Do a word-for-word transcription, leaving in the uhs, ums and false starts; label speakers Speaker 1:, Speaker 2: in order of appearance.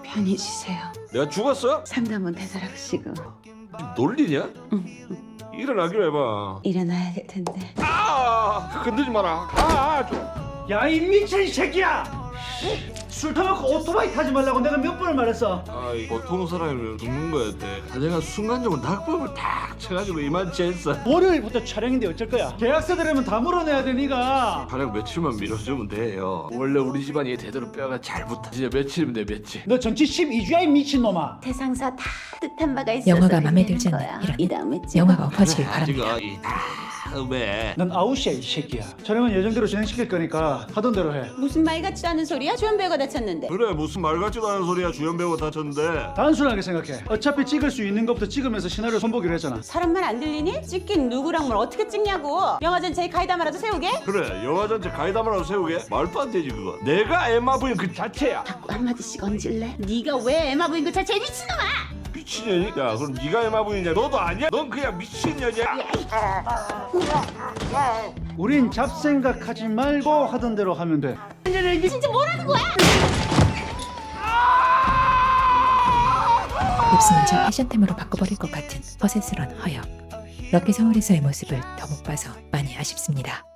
Speaker 1: 편히 쉬세요.
Speaker 2: 내가 죽었어?
Speaker 1: 상담은 되살아가시고.
Speaker 2: 놀리냐?
Speaker 1: 응.
Speaker 2: 일어나기로 해봐.
Speaker 1: 일어나야 될 텐데.
Speaker 2: 아, 건들지 마라. 아, 아 좀.
Speaker 3: 야 이 미친 새끼야! 술 타먹고 오토바이 타지 말라고 내가 몇 번을 말했어.
Speaker 2: 아, 이 보통 사람이면 죽는 거였대. 내가 순간적으로 낙법을 탁 쳐가지고 이만치 했어.
Speaker 3: 월요일부터 촬영인데 어쩔 거야? 계약서들이면 다 물어내야 돼 니가.
Speaker 2: 촬영 며칠만 미뤄주면 돼요. 원래 우리 집안이 대대로 뼈가 잘 붙어. 진짜 며칠이면 돼, 며칠.
Speaker 3: 너 정치 십이 주야 이 미친놈아.
Speaker 1: 대상사 다 뜻한 바가 있어서
Speaker 4: 영화가 마음에
Speaker 1: 이래는
Speaker 4: 들지
Speaker 1: 거야.
Speaker 4: 않는 이런
Speaker 1: 이 다음에
Speaker 4: 영화가 엎어지길
Speaker 2: 아직
Speaker 4: 바랍니다.
Speaker 2: 이 다음에
Speaker 3: 넌 아웃이야 이 새끼야. 촬영은 예정대로 진행시킬 거니까 하던 대로 해.
Speaker 1: 무슨 말 같지도 않은 소리야? 주연 배우가 다쳤는데.
Speaker 2: 그래 무슨 말 같지도 않은 소리야. 주연 배우가 다쳤는데.
Speaker 3: 단순하게 생각해. 어차피 찍을 수 있는 것부터 찍으면서 시나리오 손보기로 했잖아.
Speaker 1: 사람 말 안 들리니? 찍긴 누구랑 뭘 어떻게 찍냐고. 영화 전체에 가이다마라도 세우게?
Speaker 2: 그래 영화 전체 가이다마라도 세우게? 말도 안 되지 그거. 내가 엠마 부인 그 자체야.
Speaker 1: 자꾸 한마디씩 얹을래? 네가 왜 에마 부인 그 자체에 미친놈아!
Speaker 2: 미친년이? 야 그럼 네가 엠마 부인이냐? 너도 아니야? 넌 그냥 미친년이야.
Speaker 3: 우린 잡생각하지 말고 하던 대로 하면 돼.
Speaker 1: 진짜 뭐라는 거야?
Speaker 4: 입술은 제 패션템으로 바꿔버릴 것 같은 허세스런 허영. 럭키 서울에서의 모습을 더 못 봐서 많이 아쉽습니다.